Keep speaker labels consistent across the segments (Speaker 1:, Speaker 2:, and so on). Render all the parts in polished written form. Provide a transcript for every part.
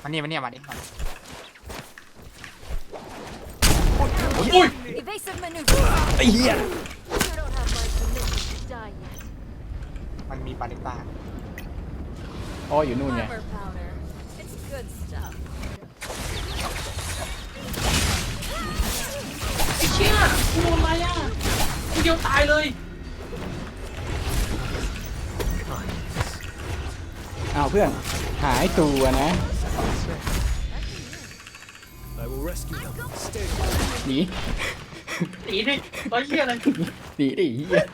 Speaker 1: มันนี่มาดิ
Speaker 2: อุ้ย
Speaker 3: Evasive maneuver.
Speaker 4: ไอ้เหี้ย
Speaker 3: You don't have my permission to die yet.
Speaker 1: มันมีปาริต้า
Speaker 4: อ๋ออยู่นู่นไง
Speaker 3: Clever powder. It's good stuff.
Speaker 2: ไอ้เชี่ยกูโดนอะไรอ่ะกูเดียวตายเลย
Speaker 4: อ้าวเพื่อนหายตัวนะ
Speaker 5: I will rescue them. Stay.
Speaker 4: หนี
Speaker 2: หนีดิไอ้เชี่ยอะไร
Speaker 4: หนีดิเหี้ย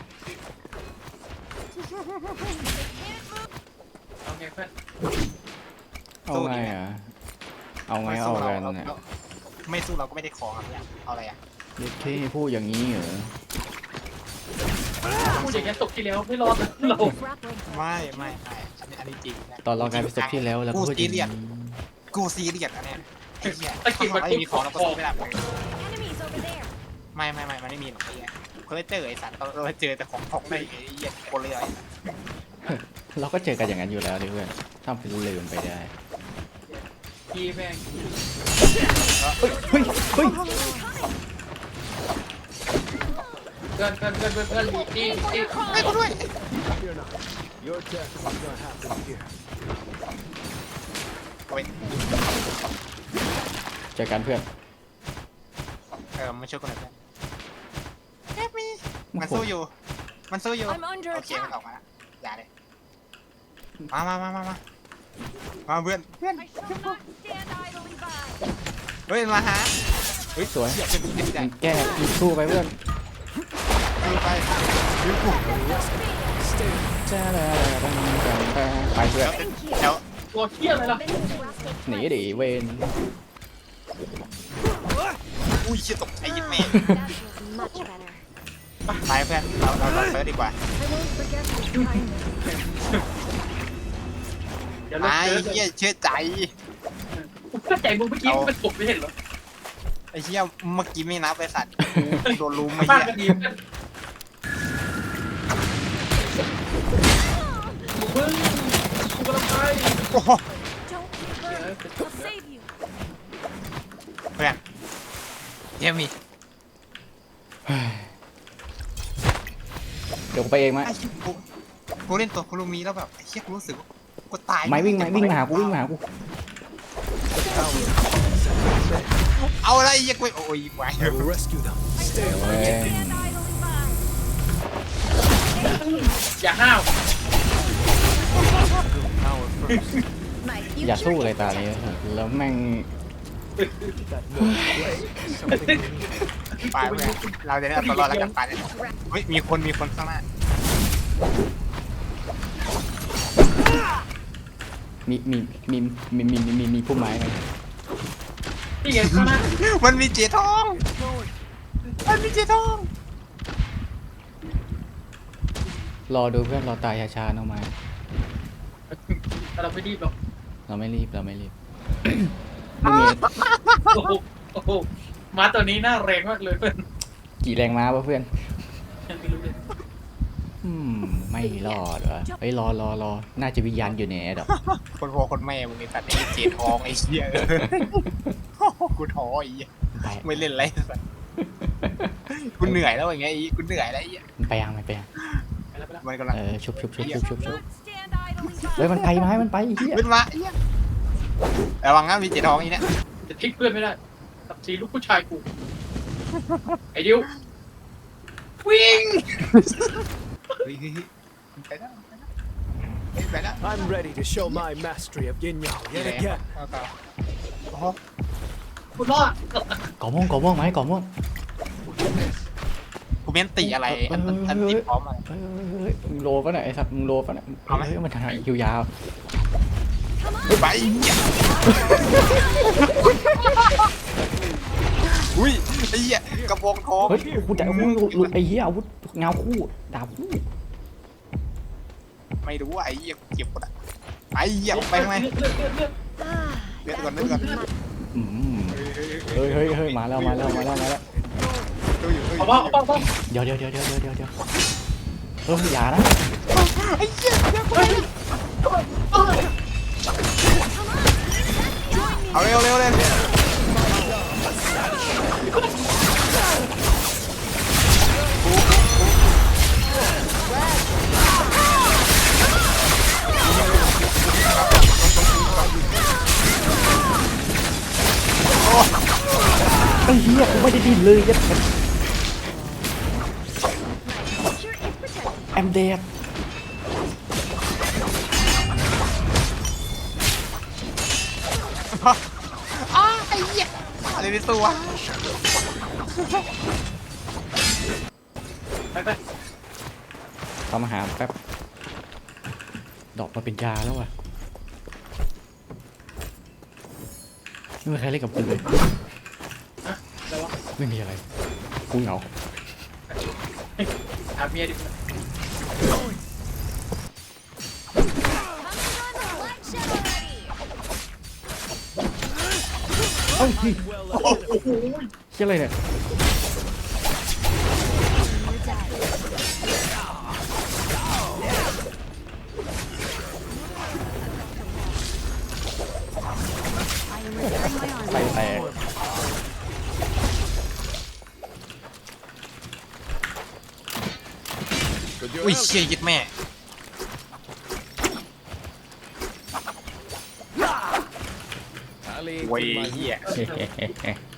Speaker 2: เอาไงเพื่อน
Speaker 4: เอาไงอ่ะเอาไงเอากันเนี่ย
Speaker 1: ไม่สู้เราก็ไม่ได้ของอะไรเอาอะไรอ่ะ
Speaker 4: เด็กที่พูดอย่างนี้เหรอ
Speaker 2: พูดอย่างนี้ตกที่แล้วไม่รอดนะเรา
Speaker 3: Grappling.
Speaker 1: ไม่อันนี้จริงนะ
Speaker 4: ตอนเรากลายเป็นศพที่แล้วแล้วก็พูดอย่างนี้
Speaker 1: กูซีเรียสอันเนี้ยไอ้เหี้ยถ้าไม่มีของเราก็สู้ไม่ได้
Speaker 3: Enemies over there.
Speaker 1: ไม่มันไม่มีหรอกไอ้เหี้ยเพิ่งเจอไอ้สัตว์เราเจอแต่ของได้ไอ้เหี้ยคนเลย
Speaker 4: เราก็เจอกันอย่างนั้นอยู่แล้วดิเพื่อนทำเป็นลืมไปได้
Speaker 2: พี่แม่ง
Speaker 4: เฮ้ยเฮ้ยเฮ้ย
Speaker 2: เพื่อนดีดี
Speaker 1: ไม่กูด้วย
Speaker 5: Fear not. Your death is not happening here.
Speaker 1: เอาไป
Speaker 4: เจอกันเพื่อน
Speaker 1: มาช่วยกันหน่อยเพื่อนมันสู้อยู่
Speaker 3: I'm under
Speaker 1: โอเคมัน
Speaker 3: attack.
Speaker 1: ออกมาแล้วอย่าเลยมาเพื่อน
Speaker 3: I shall not stand idly by.
Speaker 1: เฮ้ยมาหาเฮ้ย
Speaker 4: สวย
Speaker 1: เหี้ยเป็นผู้ใหญ่
Speaker 4: แก้สู้ไปเพื่อน
Speaker 1: ดูไปดูกู
Speaker 5: Stay.
Speaker 4: จ้าไปเพื่อน
Speaker 1: แล้ว
Speaker 2: ตัวเชี่ยอะไรล่ะ
Speaker 4: หนีดิเวน
Speaker 1: อุ้ยเชี่ยตกใจยิบแม่
Speaker 3: That was much better.
Speaker 1: ไปเพื่อนเราเซิร์ชดีกว่า
Speaker 3: I won't forget this kindness.
Speaker 2: เดี๋ยว
Speaker 1: ไอ้
Speaker 2: เราเจอ
Speaker 1: เหี้ยเชื่อใจ
Speaker 2: กูเข้าใจมึงเมื่อกี้มันตกไม่เห็นหรอ
Speaker 1: ไอ้เหี้ยเมื่อกี้ไม่นับไอ้สัตว์โดนลุมไอ้
Speaker 2: มาก
Speaker 1: เหี้ย
Speaker 2: กันดีเพื่อนมึงกูกำลังไป
Speaker 1: โอ้โห
Speaker 3: Don't be burned. I'll save you.
Speaker 1: เพื่อนเยี่ยมี
Speaker 4: เดี๋ยวกูไปเองไหม
Speaker 1: ไอ้เหี้ยกูเล่นตัวคุรุมีแล้วแบบไอ้เหี้ยกูรู้สึกว่ากูตาย
Speaker 4: ไม่วิ่งมาหากูวิ่งมาหากู
Speaker 1: เอาอะไรไอ้เหี้ยกูโอ้ยไหว
Speaker 5: I will rescue them. Stay.
Speaker 4: เว้ย
Speaker 3: Stand idly by.
Speaker 2: อย่าห้าว
Speaker 3: My
Speaker 4: อย่า
Speaker 3: future
Speaker 4: สู้เลย
Speaker 3: is
Speaker 4: ตานี้แล้วแม่ง
Speaker 5: That noise was something we need.
Speaker 1: ไปเพื่อนเราจะได้เอาตัวรอดแล้วกันไปเนี่ยเฮ้ยมีคนข้างหน้า
Speaker 4: มีผู้ไม้ไหม
Speaker 2: นี่ไงข้างหน้า
Speaker 1: มันมีเจทองมันมีเจทอง
Speaker 4: รอดูเพื่อนรอตายช้าๆน้องไม้
Speaker 2: เราไม่รีบหรอก
Speaker 4: เราไม่รีบมึงมี
Speaker 2: โอ้โหม้าตัวนี้น่าแรงมากเลยเพื่อน
Speaker 4: กี่แรงม้าวะเพื่อน
Speaker 2: ยังไม่รู้เลย
Speaker 4: ไม่รอดวะเฮ้ยรอน่าจะวิญญาณอยู่ในแอร์ดอก
Speaker 1: คนพ่อคนแม่มึงไอ้สัตว์ไอ้เจทองไอ้เหี้ยกูท้อไอ้เหี้ย
Speaker 4: ไป
Speaker 1: ไม่เล่นไรสัตว์กูเหนื่อยแล้วอย่างเงี้ยกูเหนื่อยแล้วไอ้เหี้ย
Speaker 4: มันไปยัง
Speaker 2: ไปแล้ว
Speaker 1: มันกำลัง
Speaker 4: ชุบ
Speaker 3: not stand idly
Speaker 4: เฮ้ย
Speaker 3: by.
Speaker 4: มันไปไม้มันไปไอ้เหี้ย
Speaker 1: ขึ้นมาไอ้เหี้ยระวังนะมีเจทองอีเนี่ย
Speaker 2: จะทิ้งเพื่อนไม่ได้กับสีลูกผู้ชายกูไอ้ดิววิ่ง
Speaker 1: เฮ้ยไปแล้วไปแล้ว
Speaker 5: I'm ready to show my mastery of Yin Yang yet again.
Speaker 1: โอ้โห
Speaker 2: กูรอด
Speaker 4: ก่อม่วงไหมก่อม่วง
Speaker 1: กูเม้นตีอะไรอันติดพร้อมอะไร
Speaker 4: เฮ้ยมึงโลปะเนี่ยไอ้สัตว์มึงโลปะเนี่ย
Speaker 1: เอาไหม
Speaker 4: เฮ้ยมันทางคิวยาว
Speaker 1: ไปอุ้ยไอ้เหี้ยกระโปรงทอง
Speaker 4: เฮ้ยกูจะไอ้เหี้ยอาวุธเงาคู่ดาบคู่
Speaker 1: ไม่รู้ไอ้เหี้ยเก็บหมดอ่ะไอ้เหี้ยไปทำไม
Speaker 3: Ah,
Speaker 1: Biết
Speaker 3: that
Speaker 1: còn, biết
Speaker 3: was
Speaker 1: còn.
Speaker 3: much
Speaker 4: เฮ้ยมาแล้ว
Speaker 1: ดูอยู่
Speaker 2: เอาบ้าเอาบ้า
Speaker 4: เดี๋ยวอย่านะ
Speaker 1: ไอ้เหี้ย
Speaker 3: Join
Speaker 1: เอาเร็วเร็วเลย
Speaker 4: ไอ้เหี้ยกูไม่ได้ดิ้นเลยยัด
Speaker 3: Sure is protected.
Speaker 4: แอมเดด
Speaker 1: ไอ้เหี้ยอะไรในตัว
Speaker 2: ไปไป
Speaker 4: ทำอาหารแป๊บดอกมาเป็นยาแล้วว่ะไม่มีใครเล่นกับกูเลย
Speaker 2: แล้ววะ
Speaker 4: ไม่มีอะไรกูเหงา
Speaker 2: หาเมียดิ
Speaker 3: Coming on the flagship already.
Speaker 4: เอ้ยเชี่ยอะไรเนี่ย
Speaker 3: You're dead. I am repairing my
Speaker 4: ใส่
Speaker 3: armor.
Speaker 4: แตก
Speaker 5: With your
Speaker 1: อุ้ย
Speaker 5: help,
Speaker 1: เชี่ยยึดแม่
Speaker 5: Ali,
Speaker 1: เว้ย
Speaker 5: in my
Speaker 1: เหี้ย
Speaker 4: เฮ้